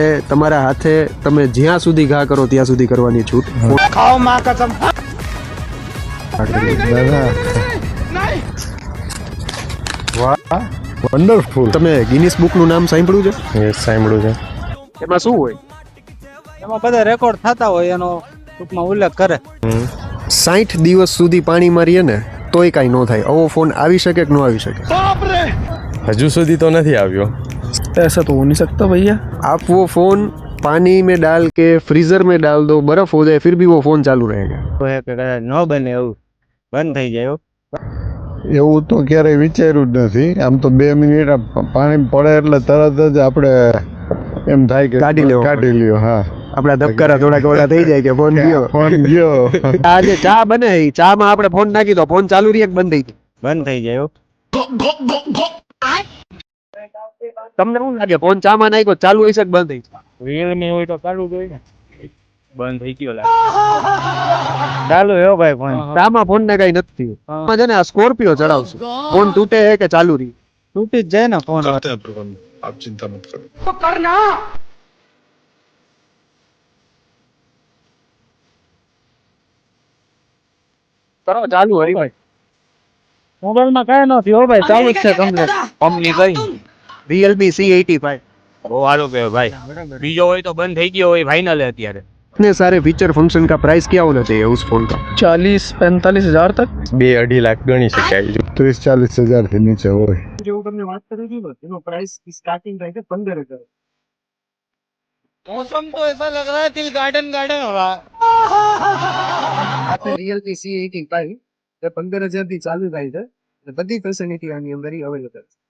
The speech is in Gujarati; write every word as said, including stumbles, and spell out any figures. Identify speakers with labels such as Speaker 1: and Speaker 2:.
Speaker 1: તમારા હાથે તમે જ્યાં સુધી ઘા કરો ત્યાં સુધી કરવાની છૂટ.
Speaker 2: ખાઓ માં કસમ.
Speaker 3: વાહ વન્ડરફુલ.
Speaker 1: તમે ગિનિસ બુક નું નામ સાંભળ્યું છે?
Speaker 3: યસ સાંભળ્યું છે.
Speaker 1: એમાં શું હોય?
Speaker 2: એમાં બધા રેકોર્ડ થતા હોય એનો ટૂંકમાં ઉલ્લેખ કરે.
Speaker 1: સાઠ દિવસ સુધી પાણીમાં રહીએ ને તોય કાંઈ ન થાય. આવો ફોન આવી શકે કે ન આવી શકે?
Speaker 3: હજુ સુધી તો નથી આવ્યો.
Speaker 4: ऐसा तो हो नहीं सकता भैया.
Speaker 1: आप वो फोन पानी में डाल के फ्रीजर में डाल दो, बर्फ हो जाए, फिर भी वो फोन चालू रहेगा.
Speaker 2: ન બને એવું બંધ થઈ જાય.
Speaker 5: એવું તો ક્યારેય વિચાર્યું જ નથી. આમ તો બે મિનિટ પાણી પડે એટલે તરત જ આપણે એમ થાય કે
Speaker 1: કાઢી લેવો.
Speaker 5: કાઢી લ્યો. હા
Speaker 1: આપડા ધબકારા થોડા થોડા થઈ જાય કે ફોન ગયો.
Speaker 5: ફોન ગયો.
Speaker 1: આ જે ચા બને એ ચા માં આપણે ફોન નાખી દો, ફોન ચાલુ રહી બંધ થઈ જાય.
Speaker 2: બંધ થઈ જાય.
Speaker 1: તમને શું લાગે ફોન ચા માં નાખ્યો ચાલુ હોય છે કે બંધ થઈ જાય?
Speaker 2: રિયલમી હોય તો ચાલુ જ હોય ને. બંધ થઈ ગયો લાગે. ચાલુ હે ભાઈ ફોન.
Speaker 1: ચા માં ફોન ને કઈ નથી થયું. આમાં છે ને આ સ્કોર્પિયો ચડાવશું, ફોન તૂટે કે ચાલુ રહી?
Speaker 2: તૂટી જ જાય ને ફોન.
Speaker 5: આપ ચિંતા મત કરો.
Speaker 1: કરો ચાલુ હોય ભાઈ.
Speaker 2: મોબાઈલ માં કઈ નથી હો ભાઈ, ચાલુ જ છે કમ્પ્લીટ. કંપની કઈ
Speaker 1: Realme C eighty-five.
Speaker 2: બહુ સારું કે ભાઈ. બીજો હોય તો બંધ થઈ ગયો હોય ફાઇનલ અત્યારે.
Speaker 1: इतने सारे फीचर फंक्शन का प्राइस क्या होना चाहिए उस फोन का?
Speaker 4: चालीस पैंतालीस हजार तक.
Speaker 3: બે અઢી લાખ ગણી શકાય.
Speaker 5: ત્રીસ ચાલીસ હજાર થી નીચે હોય.
Speaker 1: જેવું તમને વાત કરી હતી એનો પ્રાઇસ સ્ટાર્ટિંગ થાય છે પંદર હજાર.
Speaker 2: मौसम तो ऐसा लग रहा है दिल गार्डन गार्डन हो रहा है.
Speaker 1: આપણે Realme C eighty-five એ પંદર હજાર થી ચાલુ થાય છે. બધી ફેસિલિટી આની અંદર અવેલેબલ છે.